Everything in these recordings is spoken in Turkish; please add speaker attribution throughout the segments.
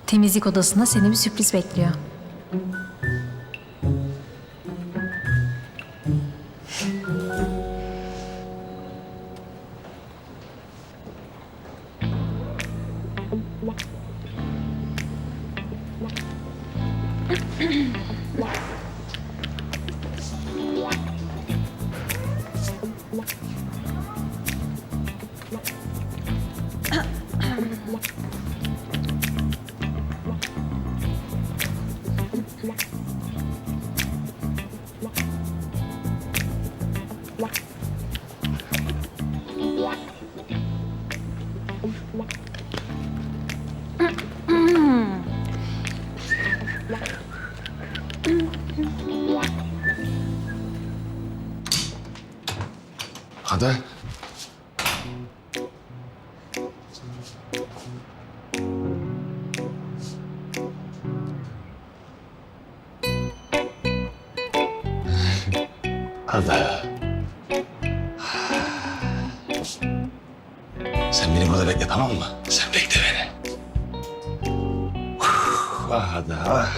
Speaker 1: Temizlik odasında seni bir sürpriz bekliyor.
Speaker 2: Ada. Ada. Sen beni burada bekle, tamam mı? Sen bekle beni. Ah Ada, ah.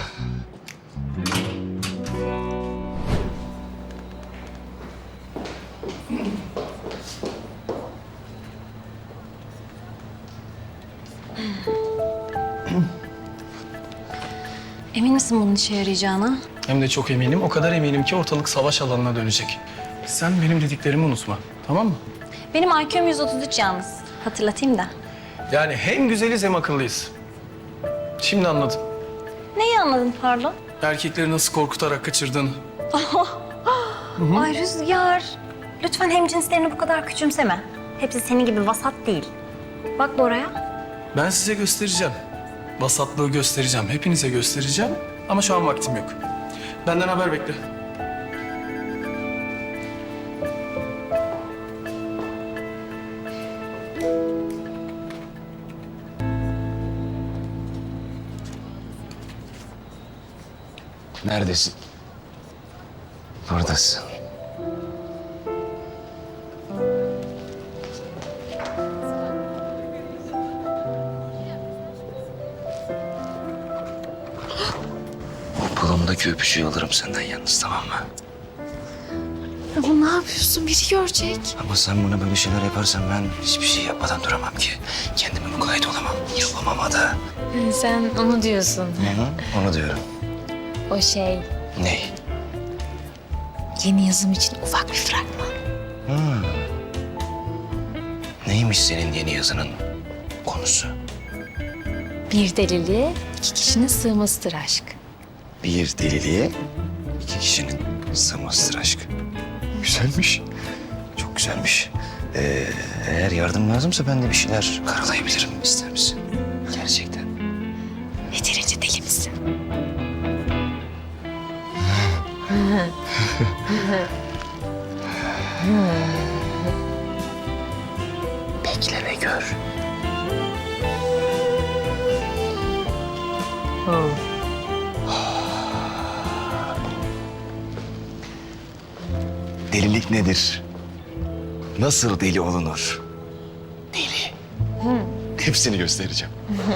Speaker 1: Emin misin bunun işe yarayacağına?
Speaker 3: Hem de çok eminim. O kadar eminim ki ortalık savaş alanına dönecek. Sen benim dediklerimi unutma. Tamam mı?
Speaker 1: Benim IQ'm 133 yalnız. Hatırlatayım da.
Speaker 3: Yani hem güzeliz hem akıllıyız. Şimdi anladım.
Speaker 1: Neyi anladın pardon?
Speaker 3: Erkekleri nasıl korkutarak kaçırdığını.
Speaker 1: Ay Rüzgar. Lütfen hemcinslerini bu kadar küçümseme. Hepsi senin gibi vasat değil. Bak Bora'ya.
Speaker 3: Ben size göstereceğim. Vasatlığı göstereceğim. Hepinize göstereceğim. Ama şu an vaktim yok. Benden haber bekle.
Speaker 2: Neredesin? Buradasın. O kolumdaki öpücüğü alırım senden yalnız, tamam mı?
Speaker 1: Ama ne yapıyorsun? Biri görecek.
Speaker 2: Ama sen buna böyle şeyler yaparsan ben hiçbir şey yapmadan duramam ki. Kendime mukayyet olamam. Yapamam Ada.
Speaker 1: Sen onu diyorsun.
Speaker 2: Onu diyorum.
Speaker 1: O şey,
Speaker 2: Ne?
Speaker 1: yeni yazım için ufak bir fragman.
Speaker 2: Neymiş senin yeni yazının konusu?
Speaker 1: Bir deliliğe iki kişinin sığmasıdır aşk.
Speaker 2: Bir deliliğe iki kişinin sığmasıdır aşk. Güzelmiş. Çok güzelmiş. Eğer yardım lazımsa ben de bir şeyler karalayabilirim. İster misin? Gerçekten.
Speaker 1: Yeterince deli misin?
Speaker 2: Bekle ve gör. Delilik nedir? Nasıl deli olunur? Deli. Hepsini göstereceğim.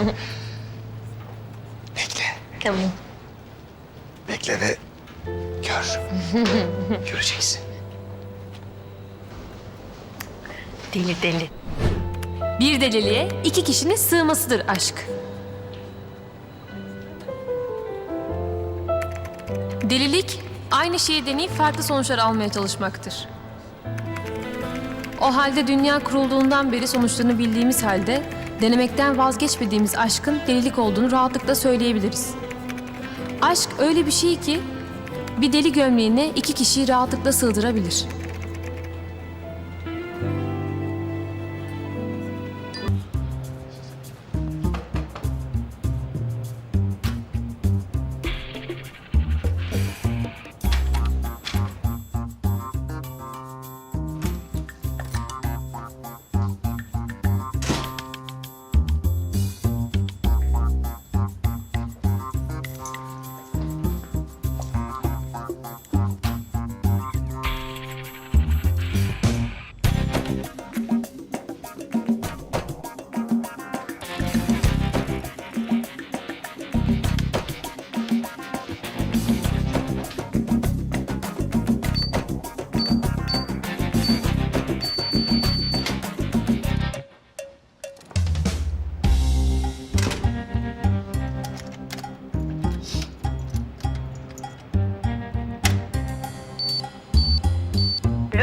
Speaker 2: Bekle.
Speaker 1: Tamam.
Speaker 2: Bekle ve gör. Göreceksin.
Speaker 1: Deli deli. Bir deliliğe iki kişinin sığmasıdır aşk.
Speaker 4: Delilik, aynı şeyi deneyip farklı sonuçlar almaya çalışmaktır. O halde dünya kurulduğundan beri sonuçlarını bildiğimiz halde denemekten vazgeçmediğimiz aşkın delilik olduğunu rahatlıkla söyleyebiliriz. Aşk öyle bir şey ki bir deli gömleğine iki kişiyi rahatlıkla sığdırabilir.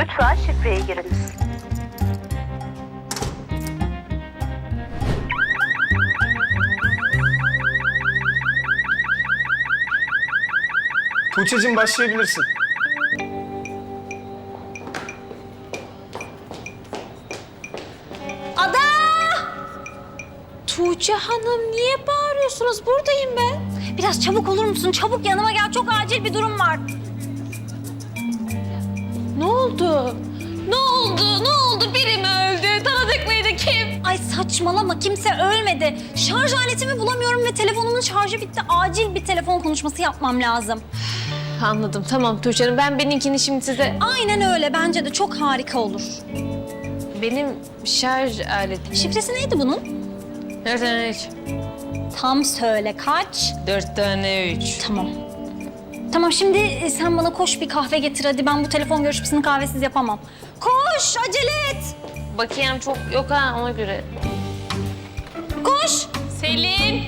Speaker 5: Lütfen şifreyi giriniz.
Speaker 3: Tuğçe'cim başlayabilirsin.
Speaker 1: Ada!
Speaker 4: Tuğçe Hanım niye bağırıyorsunuz? Buradayım ben.
Speaker 1: Biraz çabuk olur musun? Çabuk yanıma gel. Çok acil bir durum var.
Speaker 4: Ne oldu? Ne oldu? Ne oldu? Biri mi öldü? Tanıdık mıydı? Kim?
Speaker 1: Ay saçmalama, kimse ölmedi. Şarj aletimi bulamıyorum ve telefonumun şarjı bitti. Acil bir telefon konuşması yapmam lazım.
Speaker 4: Anladım. Tamam Tuğçe Hanım. Ben benimkini şimdi size...
Speaker 1: Aynen öyle. Bence de çok harika olur.
Speaker 4: Benim şarj aletim.
Speaker 1: Şifresi neydi bunun?
Speaker 4: 4 tane 3.
Speaker 1: Tam söyle, kaç?
Speaker 4: 4 tane 3.
Speaker 1: Tamam. Tamam, şimdi sen bana koş bir kahve getir hadi. Ben bu telefon görüşmesini kahvesiz yapamam. Koş, acele et.
Speaker 4: Bakayım çok yok ha ona göre.
Speaker 1: Koş.
Speaker 4: Selin.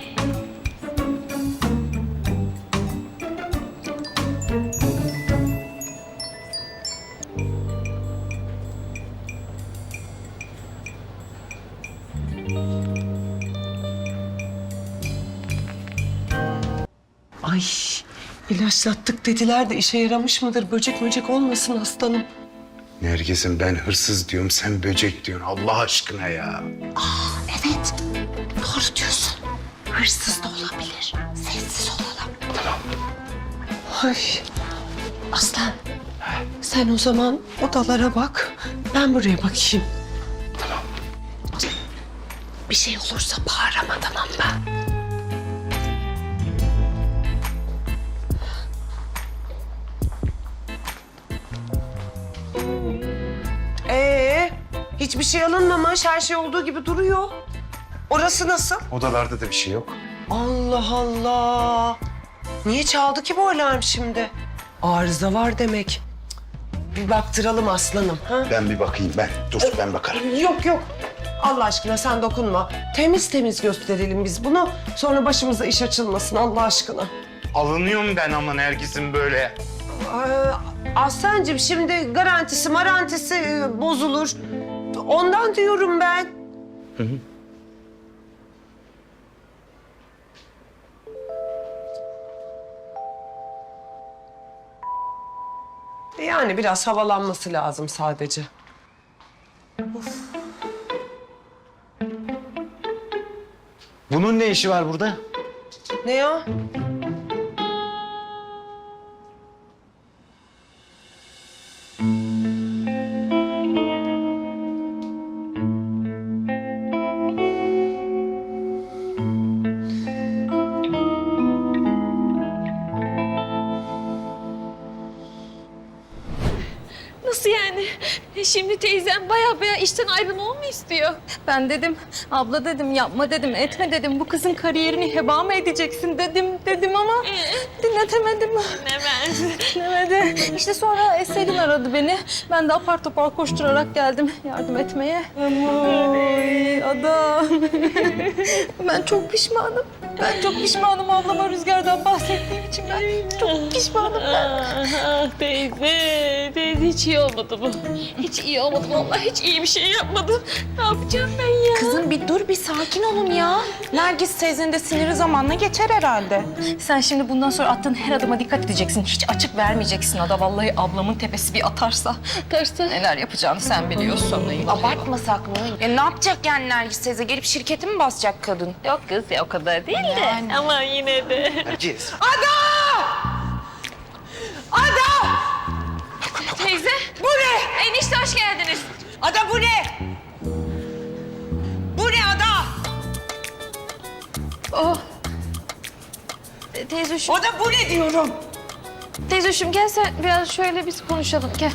Speaker 6: Ay ilaçlattık dediler de işe yaramış mıdır? Böcek olmasın aslanım.
Speaker 7: Nergis'im ben hırsız diyorum, sen böcek diyorsun. Allah aşkına ya.
Speaker 6: Evet doğru diyorsun. Hırsız da olabilir. Sessiz olalım. Tamam. Ay aslan sen o zaman odalara bak. Ben buraya bakayım. Tamam. Bir şey olursa bağır ama tamam mı? Hiçbir şey alınmamış, her şey olduğu gibi duruyor. Orası nasıl?
Speaker 7: Odalarda da bir şey yok.
Speaker 6: Allah Allah. Niye çaldı ki bu alarm şimdi? Arıza var demek. Cık, bir baktıralım aslanım. Ha?
Speaker 7: Ben bir bakayım ben. Dur ben bakarım.
Speaker 6: Yok. Allah aşkına sen dokunma. Temiz gösterelim biz bunu. Sonra başımıza iş açılmasın Allah aşkına.
Speaker 7: Alınıyorum ben ama Nergis'im böyle.
Speaker 6: Aslancığım şimdi garantisi bozulur. Ondan diyorum ben. Yani biraz havalanması lazım sadece.
Speaker 2: Bunun ne işi var burada?
Speaker 6: Ne ya?
Speaker 4: Nasıl yani? Şimdi teyzem baya işten ayrılmamı mı istiyor?
Speaker 8: Ben dedim, abla dedim, yapma dedim, etme dedim. Bu kızın kariyerini heba mı edeceksin dedim ama dinletemedim. Dinlemedi. İşte sonra Selin aradı beni. Ben de apar topar koşturarak geldim yardım etmeye. Ay adam. Ben çok pişmanım. Ben çok pişmanım ablama Rüzgar'dan bahsettiğim için. Ben çok pişmanım ben.
Speaker 4: Teyze hiç iyi olmadı bu. Hiç iyi olmadı vallahi hiç iyi bir şey yapmadım. Ne yapacağım ben ya?
Speaker 8: Kızım bir dur, bir sakin olun ya. Nergis teyzenin de siniri zamanla geçer herhalde. Sen şimdi bundan sonra attığın her adıma dikkat edeceksin. Hiç açık vermeyeceksin Ada. Vallahi ablamın tepesi bir atarsa neler yapacağını sen biliyorsun.
Speaker 9: Abartmasak mı? Ya ne yapacak yani Nergis teyze? Gelip şirketi mi basacak kadın?
Speaker 4: Yok kız ya o kadar değil de. Ama yine de.
Speaker 2: Nergis.
Speaker 4: Teyze. Bu ne? Enişte hoş geldiniz.
Speaker 6: Ada bu ne? Bu ne Ada?
Speaker 4: Teyzeciğim,
Speaker 6: Ada bu ne diyorum?
Speaker 4: teyzeciğim gel sen biraz şöyle biz konuşalım gel.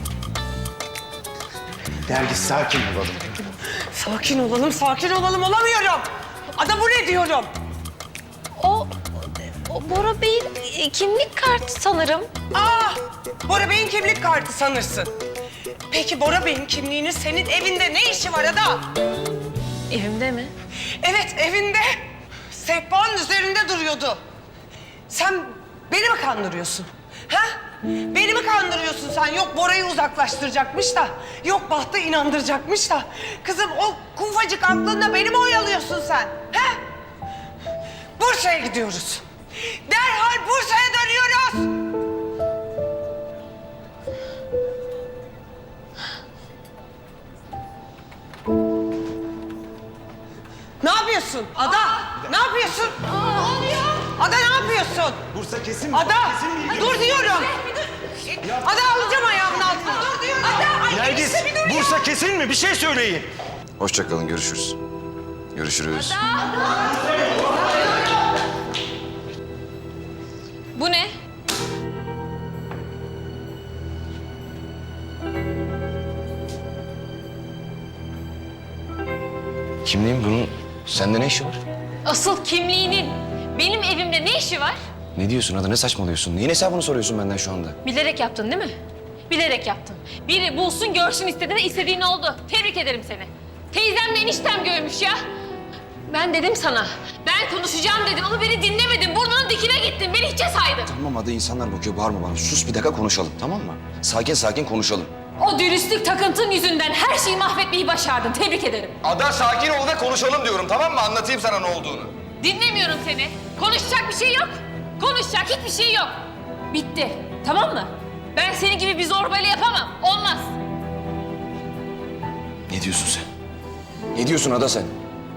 Speaker 7: Nergis sakin olalım.
Speaker 6: Sakin olalım olamıyorum. Ada bu ne diyorum?
Speaker 4: O Bora Bey'in kimlik kartı sanırım.
Speaker 6: Bora Bey'in kimlik kartı sanırsın. Peki Bora Bey'in kimliğinin senin evinde ne işi var Ada?
Speaker 4: Evimde mi?
Speaker 6: Evet evinde. Sehpanın üzerinde duruyordu. Sen beni mi kandırıyorsun? Ha? Beni mi kandırıyorsun sen? Yok Bora'yı uzaklaştıracakmış da. Yok Baht'ı inandıracakmış da. Kızım o kufacık aklınla beni mi oyalıyorsun sen? He? Bursa'ya gidiyoruz. Derhal Bursa'ya dönüyoruz. Ne yapıyorsun? Ada! Ne yapıyorsun? Ada ne yapıyorsun?
Speaker 7: Bursa kesin mi?
Speaker 6: Ada! Dur diyorum! Ada alacağım ayağımın altına. Dur diyorum. Ada!
Speaker 2: Nergis, Bursa kesin mi? Bir şey söyleyin. Hoşça kalın, görüşürüz. Görüşürüz.
Speaker 8: Bu ne?
Speaker 2: Kimliğin bunun sende ne işi var?
Speaker 8: Asıl kimliğinin benim evimde ne işi var?
Speaker 2: Ne diyorsun Ada, ne saçmalıyorsun? Neyin hesabını soruyorsun benden şu anda?
Speaker 8: Bilerek yaptın değil mi? Bilerek yaptın. Biri bulsun görsün istedi ve istediğin oldu. Tebrik ederim seni. Teyzemle eniştem görmüş ya. Ben dedim sana. Ben konuşacağım dedim ama beni dinlemedin. Burnunun dikine gittin. Beni hiçe saydın.
Speaker 2: Tamam Ada, insanlar bakıyor, bağırma bana. Sus bir dakika konuşalım, tamam mı? Sakin sakin konuşalım.
Speaker 8: O dürüstlük takıntın yüzünden her şeyi mahvetmeyi başardın. Tebrik ederim.
Speaker 2: Ada sakin ol ve konuşalım diyorum, tamam mı? Anlatayım sana ne olduğunu.
Speaker 8: Dinlemiyorum seni. Konuşacak bir şey yok. Konuşacak hiçbir şey yok. Bitti. Tamam mı? Ben senin gibi bir zorbayla yapamam. Olmaz.
Speaker 2: Ne diyorsun sen? Ne diyorsun Ada sen?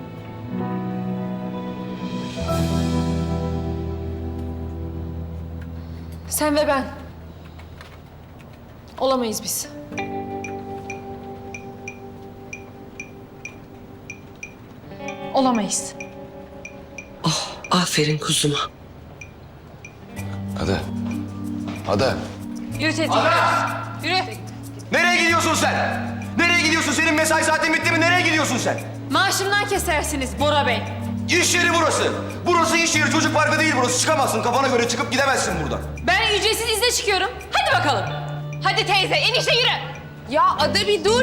Speaker 8: Sen ve ben. Olamayız biz. Olamayız.
Speaker 6: Aferin kuzuma.
Speaker 2: Ada. Ada.
Speaker 8: Yürü teyze. Yürü.
Speaker 2: Nereye gidiyorsun sen? Nereye gidiyorsun? Senin mesai saatin bitti mi? Nereye gidiyorsun sen?
Speaker 8: Maaşımdan kesersiniz Bora Bey.
Speaker 2: İş yeri burası. Burası iş yeri, çocuk parkı değil burası. Çıkamazsın, kafana göre çıkıp gidemezsin buradan.
Speaker 8: Ben ücretsiz izne çıkıyorum. Hadi bakalım. Hadi teyze enişte yürü. Ya Ada bir dur.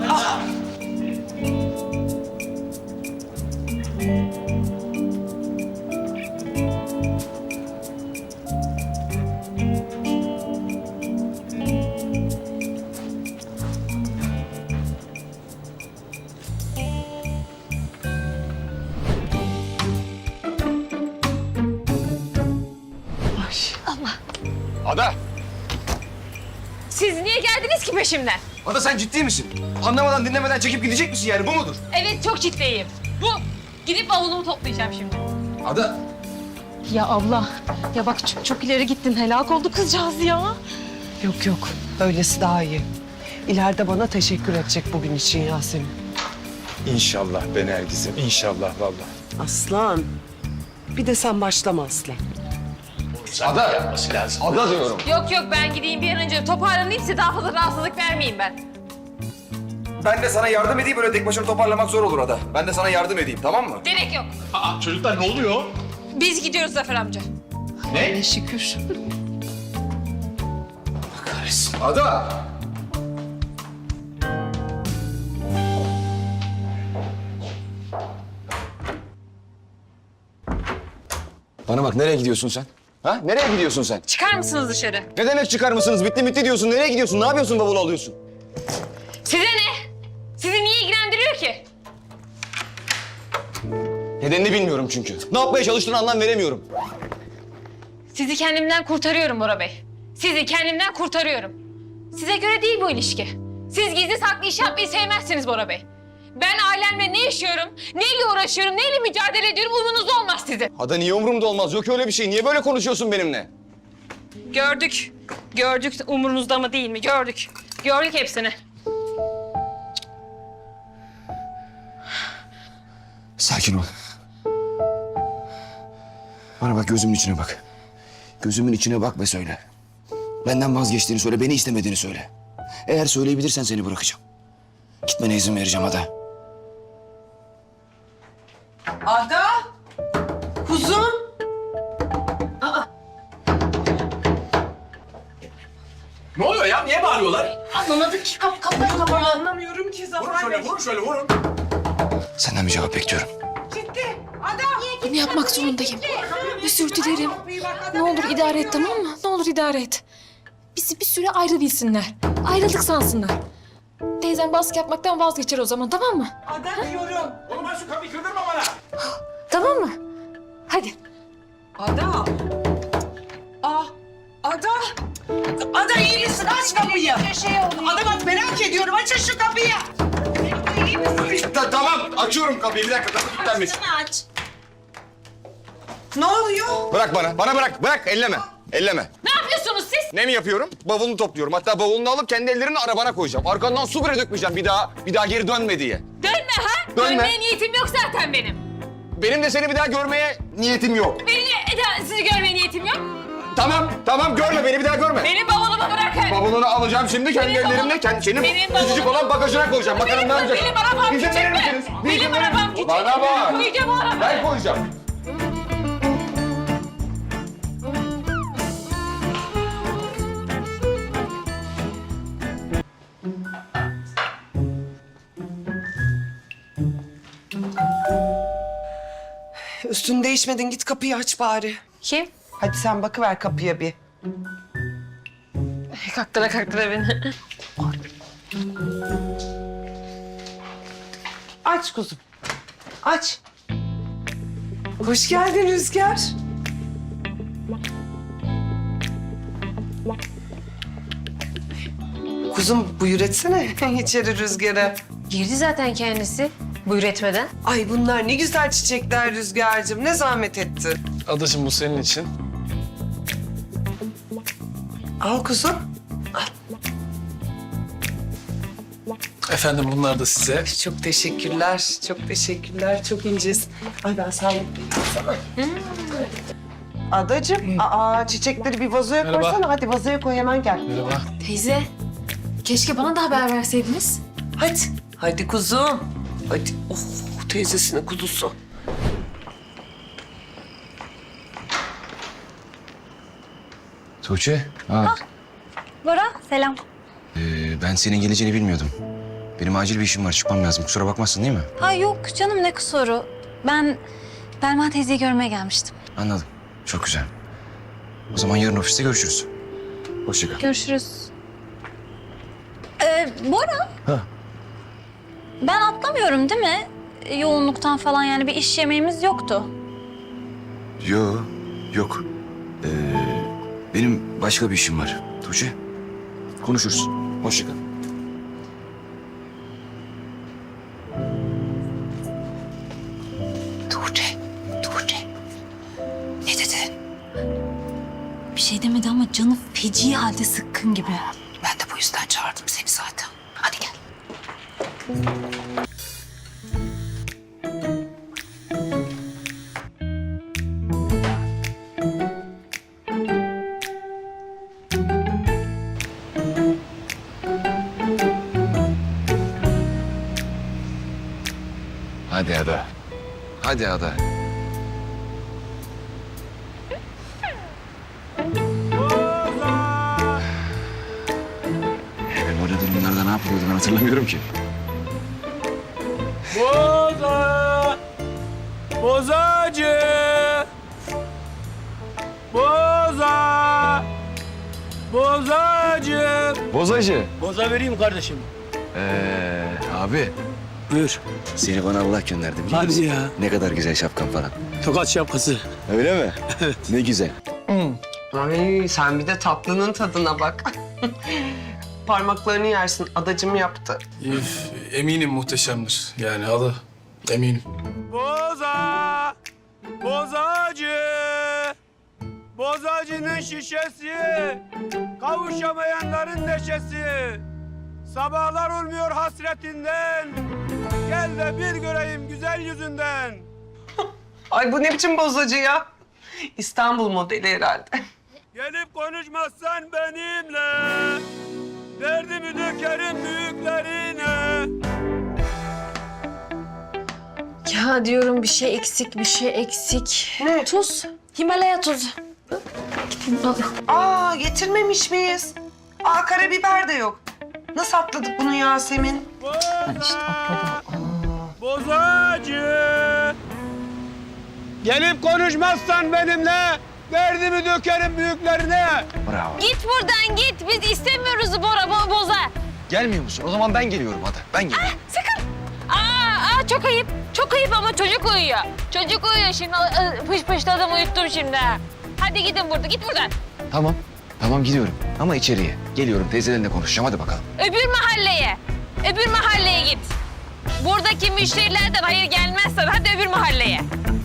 Speaker 2: Ada!
Speaker 8: Siz niye geldiniz ki peşimden?
Speaker 2: Ada sen ciddi misin? Anlamadan dinlemeden çekip gidecek misin yani? Bu mudur?
Speaker 8: Evet çok ciddiyim. Bu. Gidip bavulumu toplayacağım şimdi.
Speaker 2: Ada!
Speaker 8: Ya abla, ya bak çok ileri gittin. Helak oldu kızcağız ya.
Speaker 6: Yok yok. Böylesi daha iyi. İleride bana teşekkür edecek bugün için Yasemin.
Speaker 7: İnşallah be Nergis'im, inşallah vallahi.
Speaker 6: Aslan. Bir de sen başlama Aslan.
Speaker 2: Ada! Yapması lazım. Ada diyorum.
Speaker 8: Yok yok ben gideyim bir an önce toparlanayım size daha fazla rahatsızlık vermeyeyim ben.
Speaker 2: Ben de sana yardım edeyim, böyle tek başına toparlamak zor olur Ada. Ben de sana yardım edeyim, tamam mı?
Speaker 8: Gerek yok.
Speaker 7: Çocuklar ne oluyor?
Speaker 8: Biz gidiyoruz Zafer amca.
Speaker 6: Ne şükür.
Speaker 2: Kahretsin. Ada! Bana bak, nereye gidiyorsun sen? Ha? Nereye gidiyorsun sen?
Speaker 8: Çıkar mısınız dışarı?
Speaker 2: Ne demek çıkar mısınız? Bitti diyorsun. Nereye gidiyorsun? Ne yapıyorsun, bavulu alıyorsun?
Speaker 8: Size ne? Sizi niye ilgilendiriyor ki?
Speaker 2: Nedenini bilmiyorum çünkü. Ne yapmaya çalıştığını anlam veremiyorum.
Speaker 8: Sizi kendimden kurtarıyorum Bora Bey. Sizi kendimden kurtarıyorum. Size göre değil bu ilişki. Siz gizli saklı iş yapmayı sevmezsiniz Bora Bey. Ben ailemle ne yaşıyorum, neyle uğraşıyorum, neyle mücadele ediyorum umurunuzda olmaz sizin.
Speaker 2: Ada niye umurumda olmaz? Yok öyle bir şey. Niye böyle konuşuyorsun benimle?
Speaker 8: Gördük. Gördük umurunuzda mı değil mi? Gördük. Gördük hepsini.
Speaker 2: Sakin ol. Bana bak, gözümün içine bak. Gözümün içine bak ve söyle. Benden vazgeçtiğini söyle, beni istemediğini söyle. Eğer söyleyebilirsen seni bırakacağım. Gitmene izin vereceğim Ada.
Speaker 6: Ada! Kuzum!
Speaker 3: Ne oluyor ya? Niye bağırıyorlar?
Speaker 8: Anlamadık ki kapı.
Speaker 6: Anlamıyorum ki Zafer Bey.
Speaker 3: Vurun şöyle vurun.
Speaker 2: Senden bir cevap bekliyorum.
Speaker 6: Ciddi. Ada!
Speaker 5: Bunu yapmak zorundayım. Özür dilerim. Ne olur idare et tamam mı? Ne olur idare et.
Speaker 4: bizi bir süre ayrı bilsinler. Ayrıldık sansınlar. Teyzem baskı yapmaktan vazgeçer o zaman, tamam mı?
Speaker 6: Ada diyorum.
Speaker 5: Oğlum ben şu kapıyı kırdırma bana.
Speaker 4: Tamam mı? Hadi.
Speaker 6: Ada. Ada. Ada iyi misin? Aç kapıyı. Ada bak merak ediyorum. Açın şu kapıyı. İyi misin?
Speaker 5: Tamam açıyorum kapıyı bir dakika. Kapı kilitlenmiş.
Speaker 6: Ne oluyor?
Speaker 5: Bırak bana. Bana bırak. Elleme. Elleme.
Speaker 4: Ne yapıyorsunuz siz?
Speaker 5: Ne mi yapıyorum? Bavulunu topluyorum. Hatta bavulunu alıp kendi ellerimle arabana koyacağım. Arkandan su bile dökmeyeceğim bir daha geri dönme diye.
Speaker 4: Dönme ha?
Speaker 5: Dönme.
Speaker 4: Dönmeye niyetim yok zaten benim.
Speaker 5: Benim de seni bir daha görmeye niyetim yok.
Speaker 4: Sizi görmeye niyetim yok.
Speaker 5: Tamam görme beni bir daha görme.
Speaker 4: Benim bavulumu bırakın.
Speaker 5: Bavulunu alacağım şimdi kendi
Speaker 4: Benim
Speaker 5: ellerimle.
Speaker 4: bavulum-
Speaker 5: Senin
Speaker 4: benim
Speaker 5: küçücük
Speaker 4: bavulum-
Speaker 5: olan bagajına koyacağım. Bakalım ne yapacaksın?
Speaker 4: Benim arabam
Speaker 5: İzin
Speaker 4: küçük
Speaker 5: verir
Speaker 4: mü?
Speaker 5: misiniz? Bir izin
Speaker 4: Benim
Speaker 5: verir
Speaker 4: arabam
Speaker 5: misiniz?
Speaker 4: küçük.
Speaker 5: Bana bak.
Speaker 4: Koyacağım o arabayı.
Speaker 5: Ben koyacağım.
Speaker 6: Üstünü değişmedin. Git kapıyı aç bari.
Speaker 8: Kim?
Speaker 6: Hadi sen bakıver kapıya bir.
Speaker 8: Kaktıra beni.
Speaker 6: Aç kuzum. Aç. Hoş geldin Rüzgar. Kuzum buyur etsene içeri Rüzgar'a.
Speaker 8: Girdi zaten kendisi. Buyur etmeden.
Speaker 6: Ay bunlar ne güzel çiçekler Rüzgar'cığım. Ne zahmet ettin.
Speaker 3: Adacığım bu senin için.
Speaker 6: Al kuzum.
Speaker 3: Efendim bunlar da size.
Speaker 6: Çok teşekkürler. Çok teşekkürler. Çok incesin. Ay ben sağlıklıyım sana. Adacığım, çiçekleri bir vazoya
Speaker 3: Merhaba.
Speaker 6: koysana. Hadi vazoya koy hemen gel.
Speaker 3: Merhaba.
Speaker 4: Teyze, keşke bana da haber verseydiniz.
Speaker 6: Hadi. Hadi kuzum. Hadi. Oh teyzesinin kuzusu.
Speaker 2: Tuğçe. Ha.
Speaker 1: Bora selam.
Speaker 2: Ben senin geleceğini bilmiyordum. Benim acil bir işim var. Çıkmam lazım. Kusura bakmazsın değil mi?
Speaker 1: Ha yok canım ne kusuru. Ben Belma teyzeyi görmeye gelmiştim.
Speaker 2: Anladım. Çok güzel. O zaman yarın ofiste görüşürüz. Hoşça kal.
Speaker 1: Görüşürüz. Bora.
Speaker 2: Ha.
Speaker 1: Ben atlamıyorum değil mi? Yoğunluktan falan yani bir iş yemeğimiz yoktu.
Speaker 2: Yok. Benim başka bir işim var. Tuğçe. Konuşuruz. Hoşça kal.
Speaker 1: Tuğçe. Ne dedi? Bir şey demedi ama canı feci halde sıkkın gibi.
Speaker 6: Ben de bu yüzden çağırdım seni zaten. Hadi gel.
Speaker 2: Hadi Ada. Hadi Ada. Ben orada durumlarda ne yapıyordum ben hatırlamıyorum ki.
Speaker 5: Bozacı. Bozacı.
Speaker 2: Bozacı.
Speaker 5: Boza vereyim kardeşim.
Speaker 2: Abi
Speaker 5: Buyur.
Speaker 2: seni bana Allah gönderdi biliyor
Speaker 5: Hadi
Speaker 2: musun?
Speaker 5: ya.
Speaker 2: Ne kadar güzel şapkan falan.
Speaker 5: Tokat şapkası.
Speaker 2: Öyle mi? Evet. Ne güzel.
Speaker 6: Ay sen bir de tatlının tadına bak. Parmaklarını yersin. Adacım yaptı.
Speaker 3: Eminim muhteşemdir. Yani halı. Eminim.
Speaker 5: Bozacı. Bozacının şişesi. Kavuşamayanların neşesi. Sabahlar olmuyor hasretinden. Gel de bir göreyim güzel yüzünden.
Speaker 6: Ay bu ne biçim bozacı ya? İstanbul modeli herhalde.
Speaker 5: Gelip konuşmazsan benimle. Derdimi dökerim büyüklerine.
Speaker 8: Ya diyorum bir şey eksik.
Speaker 6: Ne?
Speaker 8: Tuz. Himalaya tuzu. Gideyim al.
Speaker 6: Getirmemiş miyiz? Karabiber de yok. Nasıl atladık bunu Yasemin?
Speaker 5: Bozacı. Gelip konuşmazsan benimle Derdimi dökerim büyüklerine.
Speaker 2: Bravo.
Speaker 8: Git buradan git. Biz istemiyoruz Bora boza.
Speaker 2: Gelmiyor musun? O zaman ben geliyorum Ada. Ben geliyorum.
Speaker 8: Sakın. Çok ayıp. Çok ayıp ama çocuk uyuyor. Çocuk uyuyor şimdi. Pış pışladım uyuttum şimdi. Hadi gidin burada. Git buradan.
Speaker 2: Tamam. Tamam gidiyorum. Ama içeriye. Geliyorum teyzelerinle konuşacağım. Hadi bakalım.
Speaker 8: Öbür mahalleye. Öbür mahalleye git. Buradaki müşterilerden hayır gelmezsen hadi öbür mahalleye.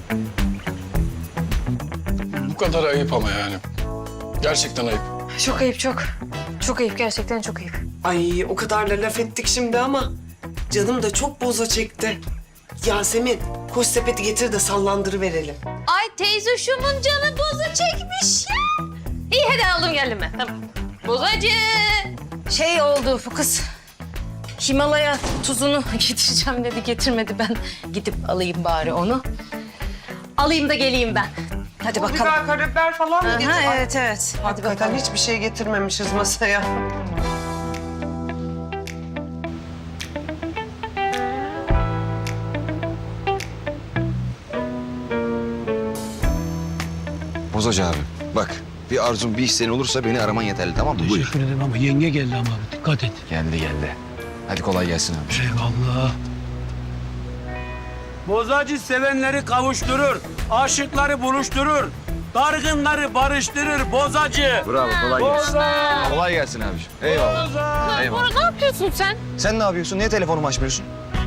Speaker 3: Bu kadar ayıp ama yani. Gerçekten ayıp.
Speaker 8: Çok ayıp çok. Çok ayıp gerçekten çok ayıp.
Speaker 6: Ay o kadar da laf ettik şimdi ama canım da çok boza çekti. Yasemin koş sepeti getir de sallandırıverelim.
Speaker 8: Ay teyze şumun canı boza çekmiş ya. İyi hadi aldım geldim ben. Tamam. Bozacı. Şey oldu bu kız. Himalaya tuzunu getireceğim dedi. Getirmedi ben. Gidip alayım bari onu. Alayım da geleyim ben. Hadi bakalım.
Speaker 6: Biber, karabiber falan mı getir? Ay,
Speaker 8: Evet evet. Hadi
Speaker 6: hakikaten
Speaker 8: bakalım.
Speaker 6: hiçbir şey getirmemişiz masaya.
Speaker 2: Bozacı abi. Bak bir arzun bir isteğin olursa beni araman yeterli tamam mı? Buyur.
Speaker 10: Teşekkür ederim ama yenge geldi ama dikkat et.
Speaker 2: Geldi geldi. Hadi kolay gelsin abi.
Speaker 10: Eyvallah.
Speaker 5: Bozacı sevenleri kavuşturur. Aşıkları buluşturur. Dargınları barıştırır bozacı.
Speaker 2: Bravo kolay gelsin.
Speaker 5: Boza!
Speaker 2: Kolay gelsin abiciğim. Eyvallah.
Speaker 5: Boza!
Speaker 2: Eyvallah.
Speaker 8: Ne yapıyorsun sen?
Speaker 2: Sen ne yapıyorsun? Niye telefonumu açmıyorsun?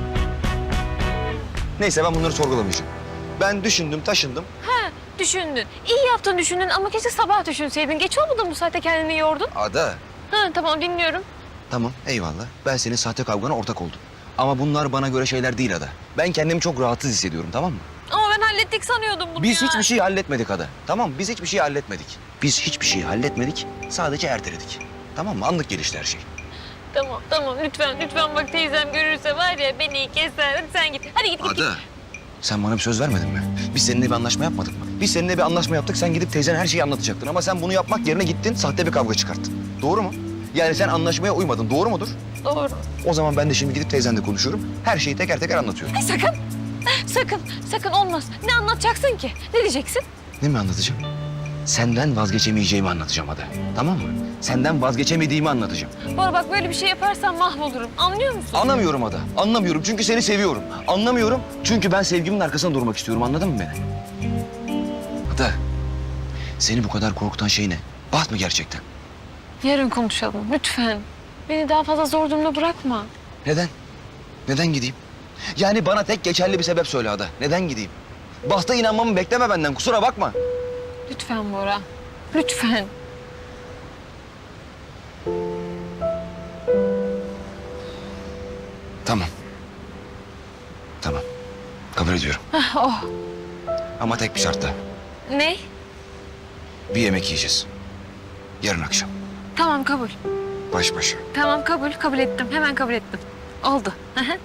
Speaker 2: Neyse ben bunları sorgulamayacağım. Ben düşündüm, taşındım.
Speaker 8: Düşündün. İyi yaptın düşündün ama keşke sabah düşünseydin. Geç olmadı mı bu saatte kendini yordun?
Speaker 2: Ada.
Speaker 8: Tamam dinliyorum.
Speaker 2: Tamam eyvallah. Ben senin sahte kavgana ortak oldum. Ama bunlar bana göre şeyler değil Ada. Ben kendimi çok rahatsız hissediyorum tamam mı?
Speaker 8: Ama ben hallettik sanıyordum bunu
Speaker 2: Biz
Speaker 8: ya.
Speaker 2: hiçbir şey halletmedik Ada. Tamam biz hiçbir şey halletmedik. Biz hiçbir şey halletmedik. Sadece erteledik. Tamam mı? Anlık gelişti her şey.
Speaker 8: Tamam lütfen bak teyzem görürse var ya beni keser. Hadi sen git. Hadi git.
Speaker 2: Ada. Sen bana bir söz vermedin mi? Biz seninle bir anlaşma yapmadık mı? Biz seninle bir anlaşma yaptık. Sen gidip teyzene her şeyi anlatacaktın. Ama sen bunu yapmak yerine gittin, sahte bir kavga çıkarttın. Doğru mu? Yani sen anlaşmaya uymadın. Doğru mudur?
Speaker 8: Doğru.
Speaker 2: O zaman ben de şimdi gidip teyzenle konuşuyorum. Her şeyi teker teker anlatıyorum.
Speaker 8: Sakın olmaz. Ne anlatacaksın ki? Ne diyeceksin?
Speaker 2: Ne mi anlatacağım? Senden vazgeçemeyeceğimi anlatacağım Ada. Tamam mı? Senden vazgeçemediğimi anlatacağım.
Speaker 8: Bora bak böyle bir şey yaparsan mahvolurum. Anlıyor musun?
Speaker 2: Anlamıyorum Ada. Anlamıyorum çünkü seni seviyorum. Anlamıyorum çünkü ben sevgimin arkasında durmak istiyorum. Anladın mı beni? Ada, seni bu kadar korkutan şey ne? Baht mı gerçekten?
Speaker 8: Yarın konuşalım lütfen. Beni daha fazla zor durumda bırakma.
Speaker 2: Neden? Neden gideyim? Yani bana tek geçerli bir sebep söyle Ada. Neden gideyim? Bahta inanmamı bekleme benden. Kusura bakma.
Speaker 8: Lütfen Bora. Lütfen.
Speaker 2: Tamam. Tamam. Kabul ediyorum.
Speaker 8: Oh.
Speaker 2: Ama tek bir şartla.
Speaker 8: Ne?
Speaker 2: Bir yemek yiyeceğiz. Yarın akşam.
Speaker 8: Tamam kabul.
Speaker 2: Baş başa.
Speaker 8: Tamam kabul ettim. Hemen kabul ettim. Oldu. Hı hı.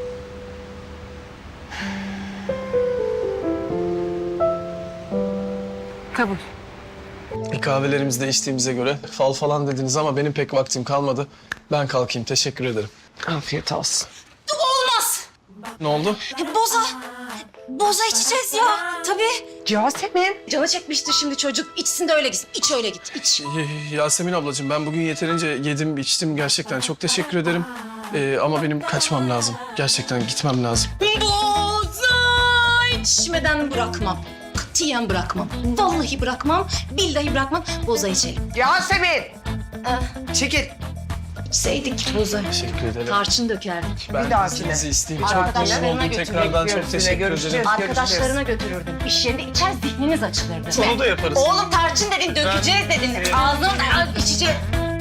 Speaker 8: Kabul.
Speaker 3: Kahvelerimizi de içtiğimize göre fal falan dediniz ama benim pek vaktim kalmadı. Ben kalkayım. Teşekkür ederim.
Speaker 6: Afiyet olsun.
Speaker 1: Olmaz.
Speaker 3: Ne oldu?
Speaker 1: Boza içeceğiz ya. Tabii.
Speaker 6: Yasemin.
Speaker 1: Canı çekmiştir şimdi çocuk. İçsin de öyle gitsin. İç öyle git. İç.
Speaker 3: Yasemin ablacığım ben bugün yeterince yedim, içtim gerçekten. Çok teşekkür ederim. Ama benim kaçmam lazım. Gerçekten gitmem lazım.
Speaker 1: Boza içmeden bırakmam. Katiyen bırakmam. Vallahi bırakmam. Billahi bırakmam. Boza içelim.
Speaker 6: Yasemin. Çekil.
Speaker 1: İçseydik boza.
Speaker 3: Teşekkür ederim.
Speaker 1: Tarçın dökerdik.
Speaker 3: Ben
Speaker 6: Bir dahakine.
Speaker 3: izninizi isteyeyim. Çok
Speaker 1: Arkadaşlarına
Speaker 3: memnun oldum.
Speaker 1: götürmek
Speaker 3: Tekrardan çok teşekkür
Speaker 6: Görüşeceğiz.
Speaker 3: ederim.
Speaker 1: Arkadaşlarına götürürdüm. İş yerinde içer zihniniz açılırdı.
Speaker 3: Onu da yaparız.
Speaker 1: Oğlum tarçın dedin, dökeceğiz dedin. Ağzından içeceğiz.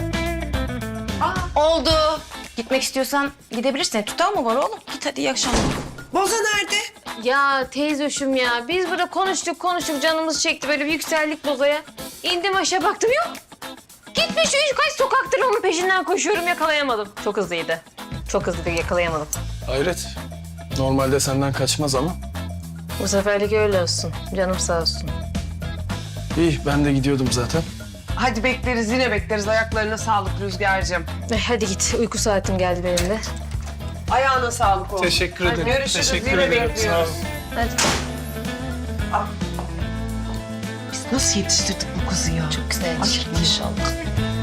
Speaker 1: Oldu. Gitmek istiyorsan gidebilirsin. Tutar mı var oğlum? Git hadi iyi akşamlar.
Speaker 6: Boza nerede?
Speaker 8: Ya teyzoşum ya biz burada konuştuk canımız çekti böyle bir yükseldik bozaya. İndim aşağı baktım yok. Gitmiş kaç sokaktır onun peşinden koşuyorum yakalayamadım. Çok hızlıydı. Çok hızlıydı yakalayamadım.
Speaker 3: Hayret. Normalde senden kaçmaz ama.
Speaker 8: Bu seferlik öyle olsun. Canım sağ olsun.
Speaker 3: İyi ben de gidiyordum zaten.
Speaker 6: Hadi bekleriz yine bekleriz. Ayaklarına sağlık Rüzgar'cığım.
Speaker 8: Hadi git uyku saatim geldi benim de.
Speaker 6: Ayağına sağlık oğlum.
Speaker 3: Teşekkür
Speaker 6: Hadi
Speaker 3: ederim.
Speaker 6: görüşürüz.
Speaker 3: Teşekkür
Speaker 6: Yine
Speaker 3: ederim. Sağ
Speaker 6: bekliyoruz.
Speaker 3: olun.
Speaker 8: Hadi.
Speaker 6: Nasıl yetiştirdik bu kızı ya?
Speaker 1: Çok güzel yetiştirdik.
Speaker 6: Maşallah.